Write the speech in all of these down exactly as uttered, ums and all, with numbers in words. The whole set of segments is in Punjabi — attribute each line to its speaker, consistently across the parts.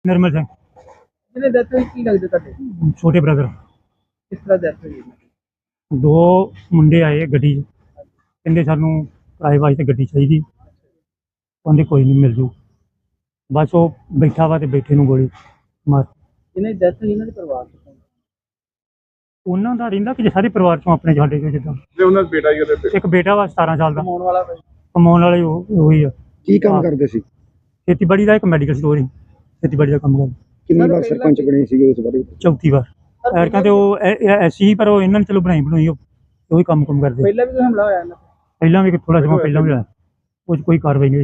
Speaker 1: निर्मल सिंह
Speaker 2: ਜਿਹਨੇ ਡੈਥ ਹੋਈ ਕੀ ਲੱਗਦਾ ਤੁਹਾਡੇ?
Speaker 1: छोटे ब्रदर
Speaker 2: ਕਿਸ ਤਰ੍ਹਾਂ ਡੈਥ ਹੋਈ?
Speaker 1: दो मुंडे आए गड्डी कहते सानू किराए वास्ते गड्डी चाहिए कहते कोई नहीं मिल जू बस वो बैठा वा तो बैठे नूं गोली मार
Speaker 2: ਜਿਹਨੇ ਡੈਥ ਹੋਈ ਇਹਨਾਂ ਦੇ ਪਰਿਵਾਰ ਚ ਕੌਣ?
Speaker 1: ਉਹਨਾਂ ਦਾ ਰਹਿੰਦਾ ਕਿ ਸਾਰੇ ਪਰਿਵਾਰ ਚੋਂ ਆਪਣੇ ਸਾਡੇ ਚੋਂ ਜਿੱਦਾਂ
Speaker 3: ਤੇ ਉਹਨਾਂ ਦਾ ਬੇਟਾ ਹੀ ਉਹਦੇ
Speaker 1: ਇੱਕ ਬੇਟਾ ਵਾ ਸਤਾਰਾਂ ਸਾਲ ਦਾ
Speaker 2: ਕਮਾਉਣ ਵਾਲਾ ਕੋਈ?
Speaker 1: ਕਮਾਉਣ ਵਾਲੇ ਉਹ ਉਹੀ ਆ
Speaker 4: ਕੀ ਕੰਮ
Speaker 1: ਹਾਂ।
Speaker 4: ਕਰਦੇ ਸੀ?
Speaker 1: ਖੇਤੀਬਾੜੀ ਦਾ ਇੱਕ ਮੈਡੀਕਲ ਸਟੋਰ ਹੀ ਖੇਤੀਬਾੜੀ ਦਾ ਕੰਮ ਕਰਦਾ
Speaker 4: ਕਿੰਨੀ ਵਾਰ ਸਰਪੰਚ ਬਣੇ ਸੀਗੇ ਉਸ ਬਾਰੇ?
Speaker 1: ਚੌਥੀ ਵਾਰ ਐਰਕਾਂ ਤੇ ਉਹ ਐਸੀ ਹੀ ਪਰ ਉਹ ਇਹਨਾਂ ਨੇ ਚਲੋ ਬਣਾਈ ਬਣਾਈ ਉਹ ਉਹੀ ਕੰਮ ਕੰਮ ਕਰਦੇ
Speaker 2: ਪਹਿਲਾਂ ਵੀ ਕੋਈ ਹਮਲਾ ਹੋਇਆ ਇਹਨਾਂ ਤੇ?
Speaker 1: ਪਹਿਲਾਂ ਵੀ ਥੋੜਾ ਸਮਾਂ ਪਹਿਲਾਂ ਵੀ ਹੋਇਆ ਉਹ 'ਚ ਕੋਈ ਕਾਰਵਾਈ ਨਹੀਂ ਹੋਈ।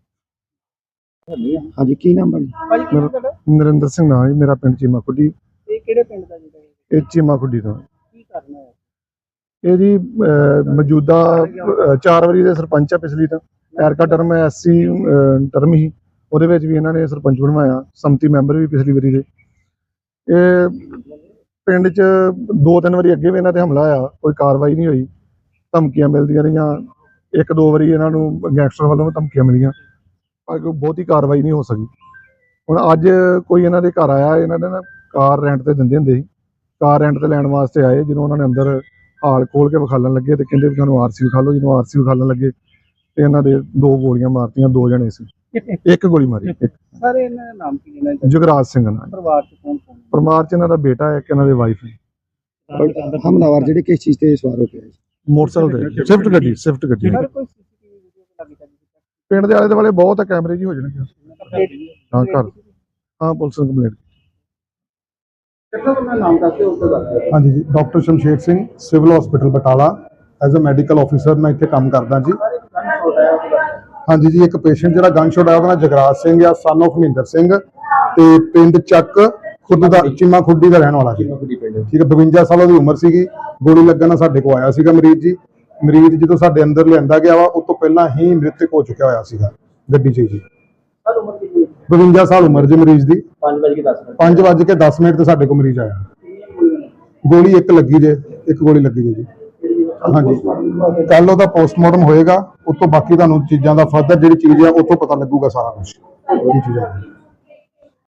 Speaker 4: ਹਾਂਜੀ ਕੀ ਨਾਮ ਹੈ?
Speaker 2: ਭਾਜੀ ਕੀ ਨਾਮ ਤੁਹਾਡਾ?
Speaker 3: ਨਰਿੰਦਰ ਸਿੰਘ ਨਾਂ ਜੀ, ਮੇਰਾ ਪਿੰਡ ਚੀਮਾ ਖੁੱਡੀ।
Speaker 2: ਇਹ ਕਿਹੜੇ ਪਿੰਡ ਦਾ ਜੀ?
Speaker 3: ਇਹ ਚੀਮਾ ਖੁੱਡੀ ਤੋਂ
Speaker 2: ਕੀ ਕਰਨਾ ਹੈ?
Speaker 3: ਇਹ ਜੀ ਅਹ, ਮੌਜੂਦਾ ਅਹ, ਚਾਰ ਵਾਰੀ ਦੇ ਸਰਪੰਚ ਆ ਪਿਛਲੀ ਤਾਂ ਐਰਕਾ ਟਰਮ ਐਸਸੀ ਟਰਮ ਹੀ ਉਹਦੇ ਵਿੱਚ ਵੀ ਇਹਨਾਂ ਨੇ ਸਰਪੰਚ ਬਣਵਾਇਆ, ਸੰਮਤੀ ਮੈਂਬਰ ਵੀ ਪਿਛਲੀ ਵਾਰੀ ਦੇ। ਇਹ ਪਿੰਡ 'ਚ ਦੋ ਤਿੰਨ ਵਾਰੀ ਅੱਗੇ ਵੀ ਇਹਨਾਂ ਤੇ ਹਮਲਾ ਹੋਇਆ, ਕੋਈ ਕਾਰਵਾਈ ਨਹੀਂ ਹੋਈ, ਧਮਕੀਆਂ ਮਿਲਦੀਆਂ ਰਹੀਆਂ। ਇੱਕ ਦੋ ਵਾਰੀ ਇਹਨਾਂ ਨੂੰ ਗੈਂਗਸਟਰ ਵੱਲੋਂ ਧਮਕੀਆਂ ਮਿਲੀਆਂ ਪਰ ਕੋਈ ਬਹੁਤੀ ਕਾਰਵਾਈ ਨਹੀਂ ਹੋ ਸਕੀ। ਹੁਣ ਅੱਜ ਕੋਈ ਇਹਨਾਂ ਦੇ ਘਰ ਆਇਆ, ਇਹਨਾਂ ਨੇ ਨਾ ਕਾਰ ਰੈਂਟ ਤੇ ਦਿੰਦੇ ਹੁੰਦੇ ਸੀ, ਕਾਰ ਰੈਂਟ ਤੇ ਲੈਣ ਵਾਸਤੇ ਆਏ। ਜਦੋਂ ਉਹਨਾਂ ਨੇ ਅੰਦਰ ਹਾਲ ਖੋਲ ਕੇ ਵਿਖਾਲਣ ਲੱਗੇ ਤੇ ਕਹਿੰਦੇ ਵੀ ਤੁਹਾਨੂੰ ਆਰਸੀ ਵਿਖਾ ਲਓ। ਜਦੋਂ ਆਰਸੀ ਵਿਖਾਲਣ ਲੱਗੇ ਤੇ ਇਹਨਾਂ ਦੇ ਦੋ ਗੋਲੀਆਂ ਮਾਰਤੀਆਂ, ਦੋ ਜਣੇ ਸੀ, ਇੱਕ ਗੋਲੀ ਮਾਰੀ। ਇੱਕ
Speaker 2: ਸਰ ਇਹਨਾਂ ਦਾ ਨਾਮ ਕੀ ਹੈ?
Speaker 3: ਜੁਗਰਾਜ ਸਿੰਘ ਨਾਲ।
Speaker 2: ਪਰਿਵਾਰ ਚ ਕੌਣ ਕੌਣ?
Speaker 3: ਪਰਿਵਾਰ 'ਚ ਇਹਨਾਂ ਦਾ ਬੇਟਾ ਹੈ, ਇੱਕ ਇਹਨਾਂ ਦੇ ਵਾਈਫ ਹੈ।
Speaker 4: ਹਮਲਾਵਰ ਜਿਹੜੇ ਕਿਸ ਚੀਜ਼ ਤੇ ਸਵਾਰ ਹੋ ਕੇ ਆਏ?
Speaker 3: ਮੋਟਰਸਾਈਕਲ ਤੇ ਸਵਿਫਟ ਗੱਡੀ ਸਵਿਫਟ ਗੱਡੀ
Speaker 2: ਸਰ ਕੋਈ ਸੀਸੀਟੀਵੀ ਵੀਡੀਓ ਤੇ ਲੱਗੀ ਜਾਂਦੀ
Speaker 3: ਪਿੰਡ ਦੇ ਆਲੇ ਦੁਆਲੇ ਬਹੁਤ ਆ, ਕੈਮਰੇ ਜੀ ਹੋ ਜਾਣਗੇ। ਹਾਂ ਘਰ ਹਾਂ ਪੁਲਿਸ ਨੂੰ ਕੰਪਲੇਂਟ।
Speaker 2: ਕਿਹੜਾ ਆਪਣਾ ਨਾਮ ਦੱਸਦੇ ਉਸ ਤੋਂ ਦੱਸਦੇ?
Speaker 5: ਹਾਂਜੀ ਜੀ, doctor Shamsher Singh, civil hospital Batala, as a medical officer ਮੈਂ ਇੱਥੇ ਕੰਮ ਕਰਦਾ ਜੀ। ਹਾਂਜੀ ਜੀ, ਇੱਕ ਪੇਸ਼ੈਂਟ ਜਿਹੜਾ ਗਨ ਸ਼ਾਟ ਆਇਆ ਉਹਦਾ ਨਾਮ ਜਗਰਾਜ ਸਿੰਘ ਆ, ਸਨ ਆਫ ਮਹਿੰਦਰ ਸਿੰਘ, ਤੇ ਪਿੰਡ ਚੱਕ ਖੁਦ ਦਾ ਚੀਮਾ ਖੁੱਡੀ ਦਾ ਰਹਿਣ ਵਾਲਾ ਜੀ। ਠੀਕ ਹੈ, ਬਵੰਜਾ ਸਾਲ ਦੀ ਉਮਰ ਸੀਗੀ। ਗੋਲੀ ਲੱਗਣ ਨਾਲ ਸਾਡੇ ਕੋਲ ਆਇਆ ਸੀਗਾ ਮਰੀਜ਼ ਜੀ। ਮਰੀਜ਼ ਜਦੋਂ ਸਾਡੇ ਅੰਦਰ ਲਿਆਂਦਾ ਗਿਆ ਵਾ ਉਸ ਤੋਂ ਪਹਿਲਾਂ ਹੀ ਮ੍ਰਿਤਕ ਹੋ ਚੁੱਕਿਆ ਹੋਇਆ ਸੀਗਾ ਗੱਡੀ 'ਚ ਜੀ।
Speaker 2: ਸਰ ਉਮਰ ਕਿੰਨੀ?
Speaker 5: ਬਵੰਜਾ ਸਾਲ ਉਮਰ ਜੀ ਮਰੀਜ਼ ਦੀ।
Speaker 2: ਪੰਜ ਵਜੇ ਦਸ ਮਿੰਟ
Speaker 5: ਪੰਜ ਵੱਜ ਕੇ ਦਸ ਮਿੰਟ ਤੇ ਸਾਡੇ ਕੋਲ ਮਰੀਜ਼ ਆਇਆ। ਗੋਲੀ ਇੱਕ ਲੱਗੀ ਜੇ, ਇੱਕ ਗੋਲੀ ਲੱਗੀ ਜੇ ਜੀ। ਹਾਂਜੀ, ਕੱਲ ਉਹਦਾ ਪੋਸਟਮਾਰਟਮ ਹੋਏਗਾ, ਉਸ ਤੋਂ ਬਾਕੀ ਤੁਹਾਨੂੰ ਚੀਜ਼ਾਂ ਦਾ ਫਰਦਰ ਜਿਹੜੀ ਚੀਜ਼ ਆ ਉਹ ਤੋਂ ਪਤਾ ਲੱਗੂਗਾ ਸਾਰਾ ਕੁਝ ਕੀ ਚੀਜ਼ ਹੈ।